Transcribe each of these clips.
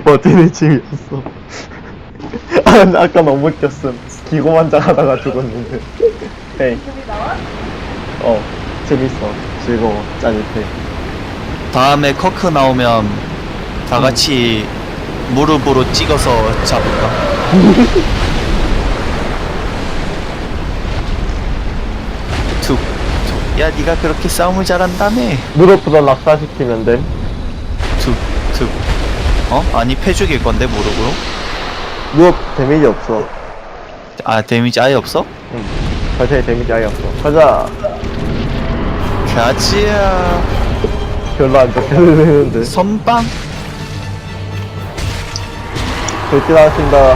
버티는 중이었어. 아, 근데 아까 너무 웃겼음. 기고만장하다가 죽었는데. 에이. 저기 나와? 재밌어. 즐거워. 짜릿해. 다음에 커크 나오면 다 같이 무릎으로 찍어서 잡을까? 툭, 툭. 야, 네가 그렇게 싸움을 잘한다며? 무릎부터 낙사시키면 됨. 툭, 툭. 아니, 패죽일 건데, 무릎으로? 무릎 데미지 없어. 아, 데미지 아예 없어? 응. 자세히 데미지 아예 없어. 가자. 가지야. 별로 안 좋게 들리는데. 선빵? 돌진하신다.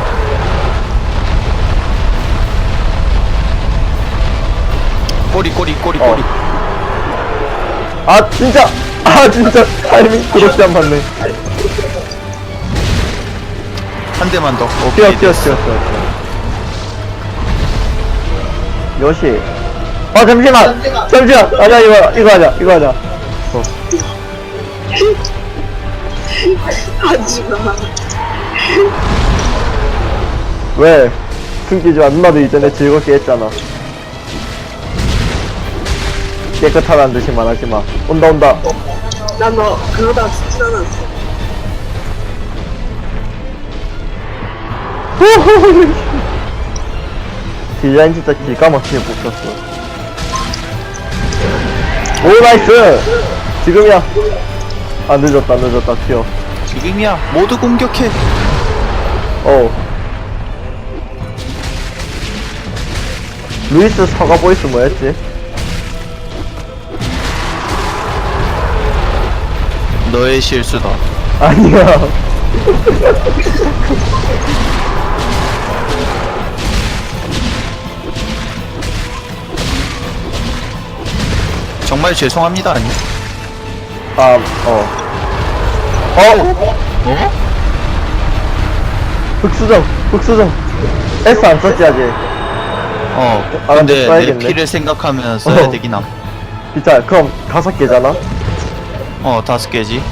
꼬리, 꼬리, 꼬리, 어. 꼬리. 아, 진짜! 아, 진짜! 타이밍 그렇게 안 맞네. 한 대만 더. 뛰어, 오케이, 뛰어, 됐어. 뛰어, 뛰어. 요시. 아, 잠시만! 잠시만! 아니야, 이거 하자, 이거 하자. 하지마. 왜? 숨기지 마. 누나도 이전에 즐겁게 했잖아. 깨끗하다는 듯이 말하지 마. 온다, 온다. 난 너 그러다 죽지 않았어. 디자인 진짜 기가 막히게 뽑혔어. 오, 나이스! 지금이야. 아, 늦었다, 늦었다. 튀어. 지금이야. 모두 공격해. 루이스 사과 보이스 뭐였지? 너의 실수다. 아니야. 정말 죄송합니다. 아니? 어? 흑수정, 흑수정. S 안 썼지, 아직. 아, 근데 근데 내 써야겠네. 피를 생각하면 써야 어. 되긴 함. 진짜, 그럼 5개잖아? 5개지.